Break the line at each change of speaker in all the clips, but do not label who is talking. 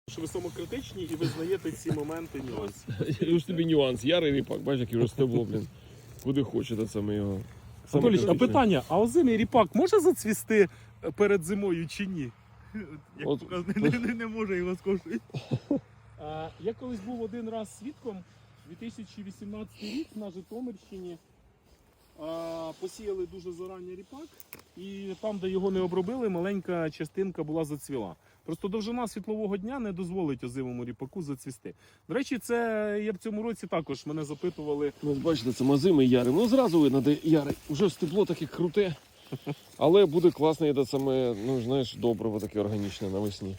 Що ви самокритичні і визнаєте ці моменти нюанси.
Ось тобі нюанс. Ярий ріпак, бачиш, який росте, блін. Куди хочете, це ми його.
Анатолій, а
Самокритичний.
питання, а озимий ріпак може зацвісти перед зимою чи ні? Як
От.
показує, не може його скошувати. Я колись був один раз свідком, 2018 рік на Житомирщині посіяли дуже зарані ріпак, і там, де його не обробили, маленька частинка була зацвіла. Просто довжина світлового дня не дозволить озимому ріпаку зацвісти. До речі, це я в цьому році також мене запитували.
Ну, бачите, це озимий ярий. Ну, зразу видно, де ярий. Уже стебло таке круте. Але буде класне, це саме, ну, знаєш, добриво таке органічне навесні.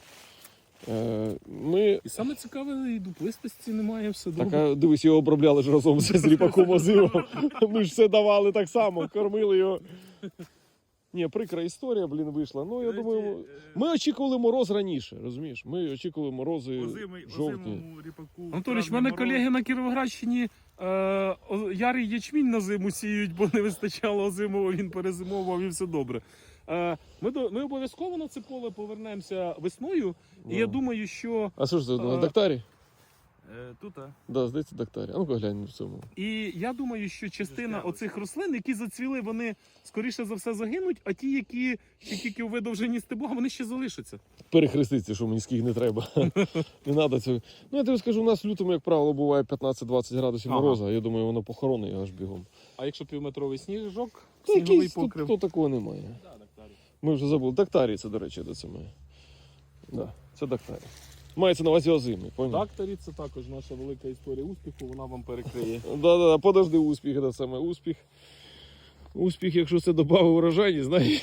Ми...
І саме цікаве, і дуплистості немає, все добре.
Так, а дивись, його обробляли ж разом з ріпаком озимом. Ми ж все давали так само, кормили його. Ні, прикра історія, блін, вийшла. Ну, я думаю, ми очікували мороз раніше, розумієш? Ми очікували морози жовтні.
Анатолійович, в мене колеги на Кіровоградщині ярий ячмінь на зиму сіють, бо не вистачало озимого, він перезимовував і все добре. Ми обов'язково на це поле повернемося весною, і я думаю, що...
А що ж це, на Дактарі?
Тут,
Да, здається, Дактарі. А ну-ка глянь в цьому.
І я думаю, що частина оцих рослин, які зацвіли, вони скоріше за все загинуть, а ті, які ще тільки у видовженні стебла, вони ще залишаться.
Перехреститься, що мені скільки не треба. Не треба цього. Ну, я тобі скажу, у нас в лютому, як правило, буває 15-20 градусів мороза. Я думаю, воно похоронить аж бігом.
А якщо півметровий сніжок,
Та
сніговий
якийсь
покрив?
тут такого немає. Ми вже забули. Дактарі це, до речі, де це ми. Да, це Дактарі. Мається на увазі озимий, поняв?
Дактарі це також наша велика історія успіху, вона вам перекриє.
Да, подожди, успіх, це саме успіх. Успіх, якщо це додав урожайність, знаєш.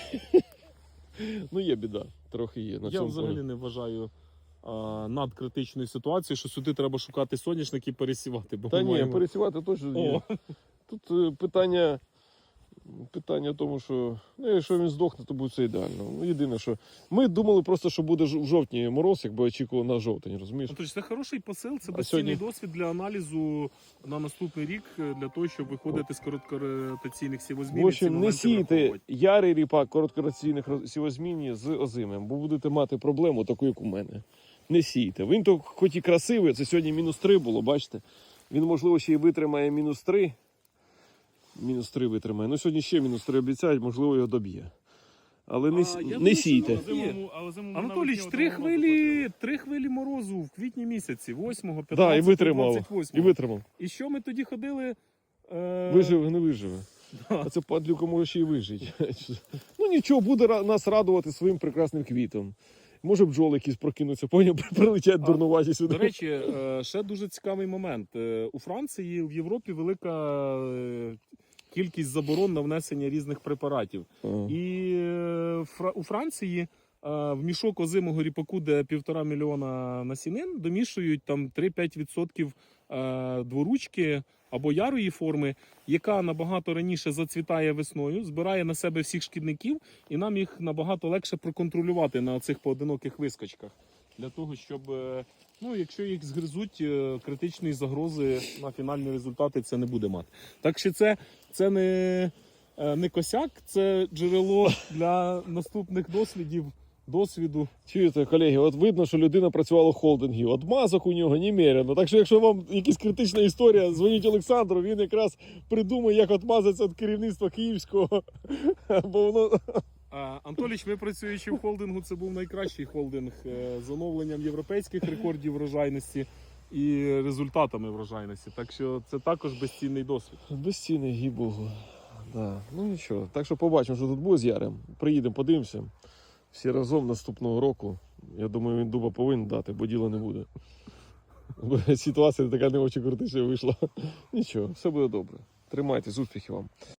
Ну є біда, трохи є. На
Я
цьому
взагалі
полі.
не вважаю надкритичної ситуації, що сюди треба шукати соняшник і пересівати. Бо
Та
ми
ні,
маємо...
пересівати точно ні. Тут питання в тому, що ну, якщо він здохне, то буде все ідеально. Ну, єдине, що ми думали просто, що буде в жовтні мороз, якби очікували на жовтень, розумієш?
Тобто це хороший посил, це
А
безцінний
сьогодні?
досвід для аналізу на наступний рік, для того, щоб виходити з короткоротаційних сівозмін.
В общем, не сійте ярий ріпак короткораційних сівозмінні з озимим, бо будете мати проблему таку, як у мене. Не сійте. Він то хоч і красивий, це сьогодні -3 було, бачите? Він, можливо, ще й витримає -3. -3 витримає. Ну, сьогодні ще -3 обіцяють, можливо, його доб'є. Але не сійте.
Анатолійович, три хвилі морозу в квітні місяці, 8, 15,
Да, і витримав.
28.
І витримав.
І що ми тоді ходили?
Виживе, не виживе. А це падлюка може ще й вижити. Ну нічого, буде нас радувати своїм прекрасним квітом. Може бджоли якісь прокинуться, поняв, прилетять дурнуваті сюди.
До речі, ще дуже цікавий момент. У Франції, в Європі велика кількість заборон на внесення різних препаратів. І у Франції в мішок озимого ріпаку, де 1,5 мільйона насінин, домішують там 3-5% дворучки або ярої форми, яка набагато раніше зацвітає весною, збирає на себе всіх шкідників, і нам їх набагато легше проконтролювати на цих поодиноких вискочках. Для того, щоб, ну, якщо їх згризуть, критичної загрози на фінальні результати це не буде мати. Так що це не косяк, це джерело для наступних досвіду.
Чуєте, колеги, от видно, що людина працювала в холдингі. От мазок у нього немерено. Так що, якщо вам якась критична історія, дзвоніть Олександру, він якраз придумає, як отмазатися від керівництва київського. Бо воно...
Анатолійович, ми працюючи в холдингу, це був найкращий холдинг з оновленням європейських рекордів врожайності і результатами врожайності. Так що це також безцінний досвід.
Безцінний, їй Богу. Да. Ну нічого. Так що побачимо, що тут буде з Ярем. Приїдемо, подивимося. Всі разом наступного року. Я думаю, він дуба повинен дати, бо діла не буде. Ситуація така не очень критична вийшла. Нічого, все буде добре. Тримайтесь, успіхів вам.